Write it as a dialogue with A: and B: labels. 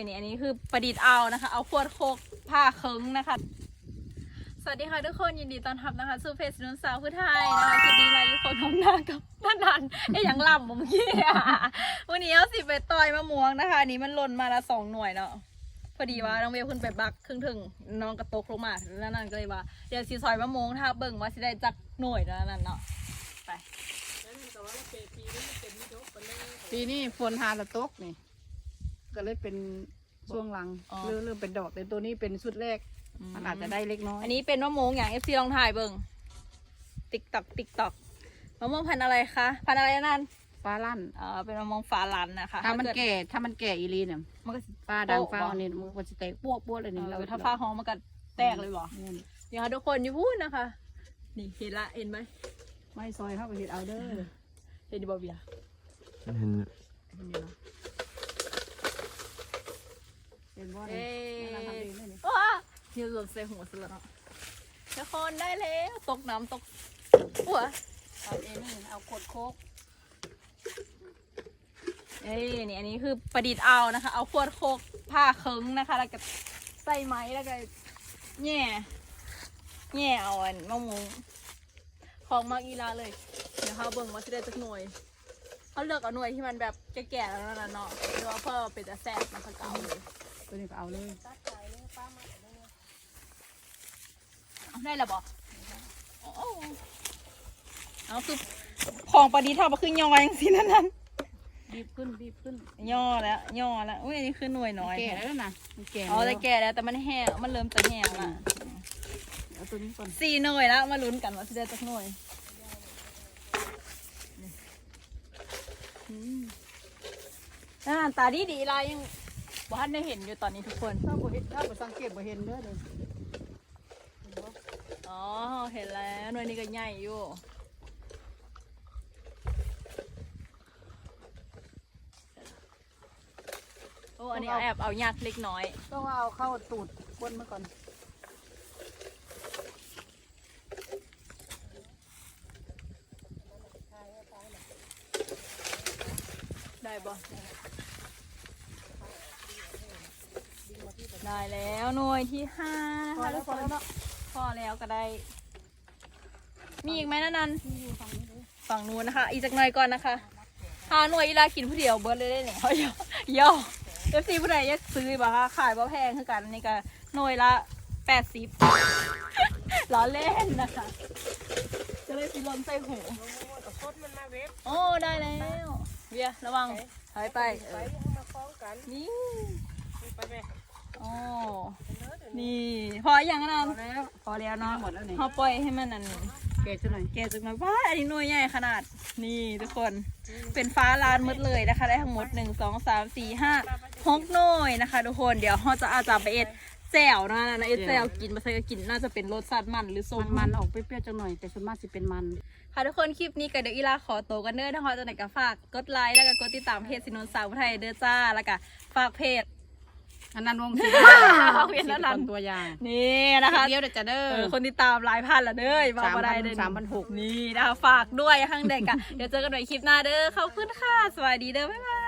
A: อันนี้คือประดิษฐ์เอานะคะเอาขวดโคกผ้าเคิงนะคะสวัสดีค่ะทุกคนยินดีต้อนรับนะคะสู่เพจนุ่นสาวผู้ไทยนะคะคลิปนี้เราอยู่คนน้องหน้ากับท่านนันอย่างล่ำเมื่อกี้วันนี้เอาสิไปต่อยมะม่วงนะคะอันนี้มันหล่นมาละ2 หน่วยเนาะพอดีว่าน้องเวลขึ้นไปบักครึ่งถึงน้องกระตกลงมาแล้วนั่นก็เลยว่าเดี๋ยวสิซอยมะม่วงถ้าเบิ่งว่าสิได้จักหน่วยแล้วนั่นเนาะไป
B: ปีนี้ฝนหาละตกนี่ก็เลยเป็นช่วงหลังเริ่มเป็นดอกแต่ตัวนี้เป็นชุดแรกมันอาจจะได้เล็กน้อย
A: อันนี้เป็นมะม่วงอย่าง FC ลองถ่ายเบิ่งติ๊กตอกมะม่วงพันธุ์อะไรคะพันธุ์อะไรนั่น
B: ฟ้าลั่น
A: เป็นมะม่วงฟ้าลั่นนะคะ
B: ถ้ามันแก่อีลีเนี่ย
A: มันก็
B: ฟ้าดังฟ้าเนี่ยมันจะแตกปวดเลยนี่
A: ถ้าฟ้าหอมมันก็แตกเลยบ่เดี๋ยวทุกคนอยู่พูดนะคะนี่เห็นละเห็นไหม
B: ไม่ซอยเข้าไปเห็ดเอาเด้อ
A: เห็นดิบเบีย
B: เป็นบ่
A: เอ๊ะยืดใส่หัวสุดแล้วทุกคนได้แล้วตกน้ำตกหัว
B: เอาเองนี่เอากดโคก
A: นี่อันนี้คือประดิษฐ์เอานะคะเอาขวดโคกผ้าเคิงนะคะแล้วก็ใส่ไม้แล้วก็แง่เอาอันมะม่วงของมากอีลาเลยเดี๋ยวเขาเบิ่งว่าจะได้จักหน่วยเขาเลือกเอาหน่วยที่มันแบบแก่ๆแล้วนั่นเนาะหรือว่าเพื่อเป็นจะแซ่บมันก็เอาเลย
B: ตัวนี้ก็เอาเลย
A: ได้แล้วบอกเอาคือของประดิษฐ์ทำมาคือย่ออย่างสินั่น
B: บีบขึ้น
A: ย่อแล้วอุ้ยอันนี้คือหน่วยน้อย
B: แก่แล้วนะ
A: แก่แต่แก่แล้วแต่มันแห้งมันเริ่มจะแห้งละ
B: เอาตัวนี้ก่อน
A: 4 หน่วยแล้วมาลุ้นกันว่าจะได้สักหน่วยตาดีลายยังบ้านได้เห็นอยู่ตอนนี้ทุกคน
B: ถ้าบ่สังเกตบ่เห็นเด้อเลย
A: อ๋อเห็นแล้วหน่วยนี้ก็ใหญ่อยู่โอ้อันนี้แอบเอายากเล็กน้อย
B: ต้องเอาเข้าตูดก้นมาก่อน
A: ได้บ่ได้แล้วหน่วยที่5นะคะทุกคนพอแล้วก็ได้มีอีกไหมนั่นฝั่งนู้นนะคะอีกสักหน่อยก่อนนะคะ5 หน่วยอีลากินผู้เดียวเบิร์ดเลยได้เนี่ยเขาย่อFC ผู้ใดอยากซื้อบ่คะขายบ่แพงคือกันนี่ก็หน่วยละ80ล้อเล่นนะคะจะเลยสิลนใส่หูโอ้ได้แล้วเบียระวังถอยไปนี่โอ้นี่พออย่างนั้นพอแล้วเนาะพอปล่อยให้มันนั่น
B: แก่จังหน่
A: อยว้าอันนี้หน่วยใหญ่ขนาดนี่ทุกคนเป็นฟ้าลานมืดเลยนะคะได้ทั้งหมด1 2 3 4 5 6 หน่วยนะคะทุกคนเดี๋ยวเราจะอาจจะไปเอ็ดแจ่วนะเอ็ดแจ่วกินมาใส่ก็กินน่าจะเป็นรสชาติมันหรือส้ม
B: มันออกเปรี้ยวๆจังหน่อยแต่ส่วนมากจะเป็นมัน
A: ค่ะทุกคนคลิปนี้กับเดี๋ยวอีลาขอโตกันเด้อนะคะจะไหนก็ฝากกดไลค์แล้วก็กดติดตามเพจสินนสาวไทยเด้อจ้าแล้วก็ฝากเพจ
B: อันนั้นวงศิลป์ตัวอย่าง
A: นี่นะคะ
B: เดี๋ยวจะเด้อ
A: คนติดตามหลายพันละเด้อบอกว่าได้เด้อ
B: 3,600
A: นี่นะคะฝากด้วยข้างเด็กอ่ะเดี๋ยวเจอกันใหม่คลิปหน้าเด้อขอบคุณค่ะสวัสดีเด้อบ๊ายบาย